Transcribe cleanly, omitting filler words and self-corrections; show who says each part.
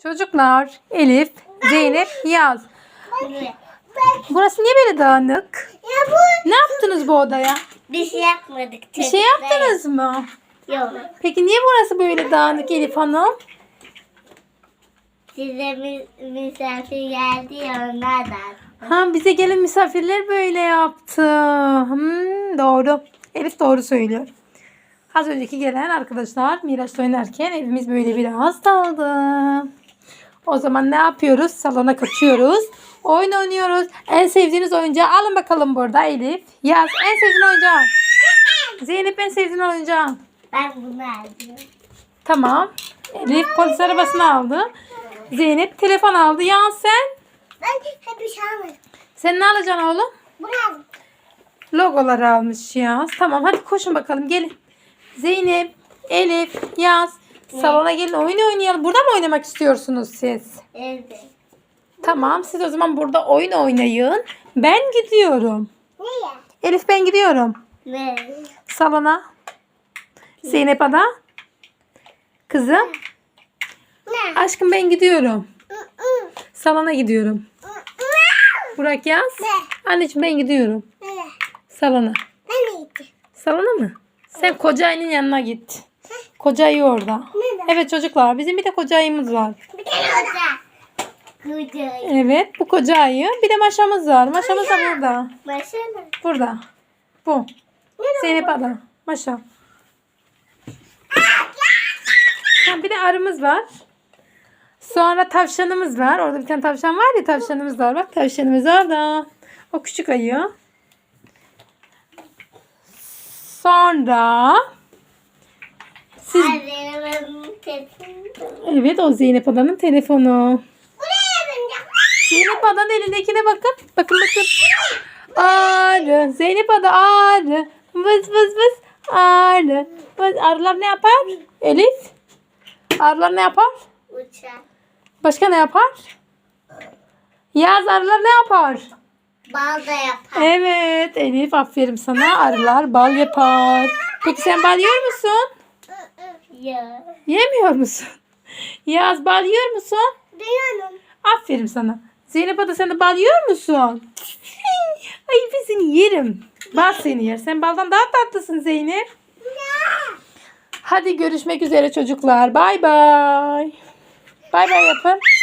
Speaker 1: Çocuklar, Elif, Zeynep, Yaz. Burası niye böyle dağınık? Ne yaptınız bu odaya?
Speaker 2: Bir şey yapmadık.
Speaker 1: Bir şey yaptınız mı?
Speaker 2: Yok.
Speaker 1: Peki niye burası böyle dağınık Elif Hanım?
Speaker 2: Size misafir geldi ya onlardan.
Speaker 1: Ha, bize gelen misafirler böyle yaptı. Doğru. Elif doğru söylüyor. Az önceki gelen arkadaşlar Miraç'la oynarken evimiz böyle biraz dağıldı. O zaman ne yapıyoruz? Salona kaçıyoruz. Oyun oynuyoruz. En sevdiğiniz oyuncağı alın bakalım burada Elif. Yaz en sevdiğin oyuncağı. Zeynep en sevdiğin oyuncağı.
Speaker 2: Ben bunu aldım.
Speaker 1: Tamam. Elif polis arabasını aldı. Zeynep telefon aldı. Yaz sen?
Speaker 2: Ben hep bir şey almadım.
Speaker 1: Sen ne alacaksın oğlum?
Speaker 2: Bunu aldım.
Speaker 1: Logoları almış Yaz. Tamam hadi koşun bakalım gelin. Zeynep, Elif, Yaz. Salona gelin oyun oynayalım. Burada mı oynamak istiyorsunuz siz?
Speaker 2: Evet.
Speaker 1: Tamam siz o zaman burada oyun oynayın. Ben gidiyorum.
Speaker 2: Neye?
Speaker 1: Elif ben gidiyorum.
Speaker 2: Ne?
Speaker 1: Salona. Zeynep Ada. Kızım.
Speaker 2: Ne?
Speaker 1: Aşkım ben gidiyorum. Salona gidiyorum. Burak Yaz. Anneciğim ben gidiyorum.
Speaker 2: Ne?
Speaker 1: Salona.
Speaker 2: Ben neydi?
Speaker 1: Salona mı? Sen koca ayının yanına git. Koca ayı orada.
Speaker 2: Nerede?
Speaker 1: Evet çocuklar bizim bir de koca ayımız var.
Speaker 2: Bir tane orada. Kucayı.
Speaker 1: Evet bu koca ayı. Bir de maşamız var. Maşamız da burada.
Speaker 2: Başına.
Speaker 1: Burada. Bu. Zeynep Ada. Maşa. Ha, bir de arımız var. Sonra tavşanımız var. Orada bir tane tavşan var ya tavşanımız var. Bak tavşanımız orada. O küçük ayı. Sonra siz...
Speaker 2: Annemin telefonu.
Speaker 1: Evet o Zeynep Ada'nın telefonu.
Speaker 2: Buraya yapınca.
Speaker 1: Zeynep Ada'nın elindekine bakın. Bakın bakın. Arı. Zeynep Ada arı. Vız vız vız. Arı. Vız. Arılar ne yapar? Elif. Arılar ne yapar?
Speaker 2: Uçak.
Speaker 1: Başka ne yapar? Yaz arılar ne yapar?
Speaker 2: Bal da yapar.
Speaker 1: Evet Elif aferin sana. Arılar bal yapar. Peki sen bal yiyor musun?
Speaker 2: Ya.
Speaker 1: Yemiyor musun? Yaz bal yiyor musun?
Speaker 2: Duyuyorum.
Speaker 1: Aferin sana. Zeynep Ada sen de bal yiyor musun? Ay ben seni yerim. Bal seni yer. Sen baldan daha tatlısın Zeynep. Hadi görüşmek üzere çocuklar. Bay bay. Bay bay yapın.